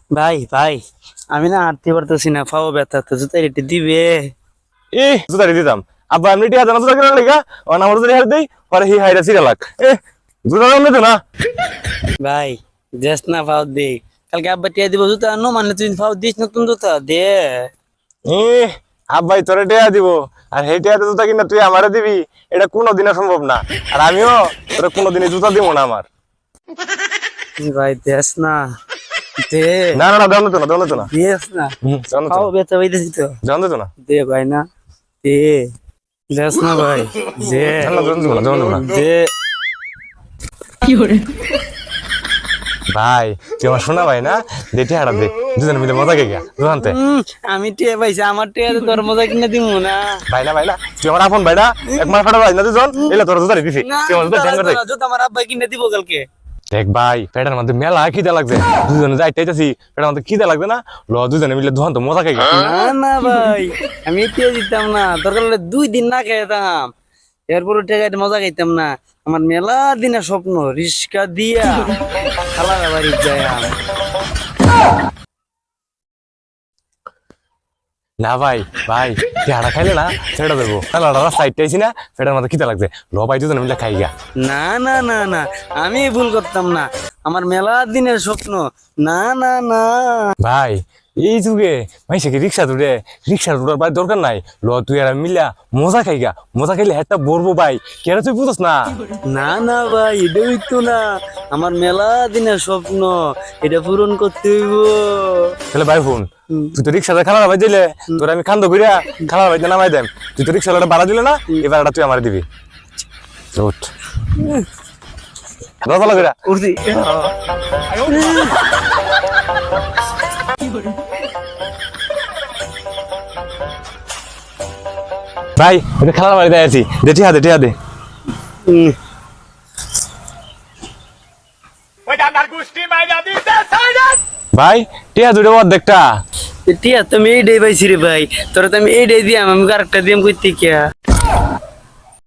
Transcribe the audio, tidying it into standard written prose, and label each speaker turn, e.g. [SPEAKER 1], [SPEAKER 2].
[SPEAKER 1] ভাই ভাই আমি না হাঁটতে পারতেছি না, পাও ব্যথা, তো জুতা রেটে দিবে?
[SPEAKER 2] জুতা দিতাম আব্বা এমনি টিয়া জানা জুতা কেনার লেগা আমার জুতা হার দেই পরে হি হাইরা সিরা লাগ জুতা দাম নিত না।
[SPEAKER 1] ভাই দেশ না পাও দে, কালকে আব্বা টিয়া দিব জুতা আনো, মানে তুই পাও দিস নতুন জুতা দে।
[SPEAKER 2] এ আব্বাই তোরে টিয়া দিব আর সেই টিয়াতে জুতা কিনা তুই আমারে দিবি, এটা কোনোদিনও সম্ভব না। আর আমিও তোরে কোনোদিনই জুতা দিব না আমার।
[SPEAKER 1] ভাই দেশ না দে,
[SPEAKER 2] না না না দেওয়া নিত না দেওয়া নিত না।
[SPEAKER 1] দেশ না, পাও ব্যথা হইতেছি তো,
[SPEAKER 2] দেওয়া নিত না
[SPEAKER 1] দে ভাই না, দে দেশ না ভাই, দে দে।
[SPEAKER 2] ভাই তুই আমার শোনা ভাই না, দে টিয়াটা দে, দুজনে মিলে মজা গেগা দুহানতে।
[SPEAKER 1] আমি টিয়া পাইছি, আমার টিয়া তোর মজা কিনে দিব না।
[SPEAKER 2] ভাই না তুই আমার আপন ভাই না, এক মাস ফাটা ভাই না দুজন, এলে তোর জুতা দিছি তুই আমার জুতা ঠ্যাঙ্গা দেখ।
[SPEAKER 1] জুতা আমার আব্বা কিনে দিব কালকে।
[SPEAKER 2] দেখ ভাই পেটের মধ্যে মেলা খিদে লাগছে, দুজনে যাইতেছি পেটের মধ্যে খিদে লাগবে না, ল দুজনে মিলে দুহান তো মজা খাইগা।
[SPEAKER 1] না না ভাই, আমি টিয়া দিতাম না, দরকার হলে 2 দিন না খাইতাম, এরপরে টেকাইতে মজা খাইতাম না। আমার মেলা দিনের স্বপ্ন রিস্কা দিয়া খালা বাড়ি যায়।
[SPEAKER 2] না ভাই ভাই টিয়াটা খাইলে না সেটা দেবো, খেলাটা রাস্তা আইতেছি না, পেটের মধ্যে খিদে লাগছে, ল ভাই দুজনে মিলে খাইগা।
[SPEAKER 1] না না না না, আমি ভুল করতাম না, আমার মেলা দিনের স্বপ্ন। না না না
[SPEAKER 2] ভাই এই যুগে ভাই সে কি রিক্সা তুলে, রিক্সা তোলার ভাই দরকার নাই, ল তুই আর আমি মিলা মজা খাইগা, মজা খাইলে হেডটা বলবো ভাই, কেন তুই বুঝস না?
[SPEAKER 1] না না ভাই, এটা হইতো না, আমার মেলা দিনের স্বপ্ন, এটা পূরণ করতে হইব।
[SPEAKER 2] তাহলে ভাই ফোন, তুই তো রিক্সাতে খালা ভাই দিলে, তোর আমি খান্দ করিয়া খালা ভাই নামাই দেম, তুই তো রিক্সাটা ভাড়া দিলে না, এবার তুই আমার দিবি। উঠ দশ করিয়া
[SPEAKER 1] উঠছি।
[SPEAKER 2] ভাই এটা খেলার বাড়িতে আছি, দে টিয়া দে টিয়া দে। ভাই টিয়া দুটো অর্ধেকটা।
[SPEAKER 1] টিয়া তুমি এই ডে পাইছি রে ভাই, তোরা তো আমি এই ডে দিয়াম, আমি আরেকটা দিয়াম কইতে কিয়া।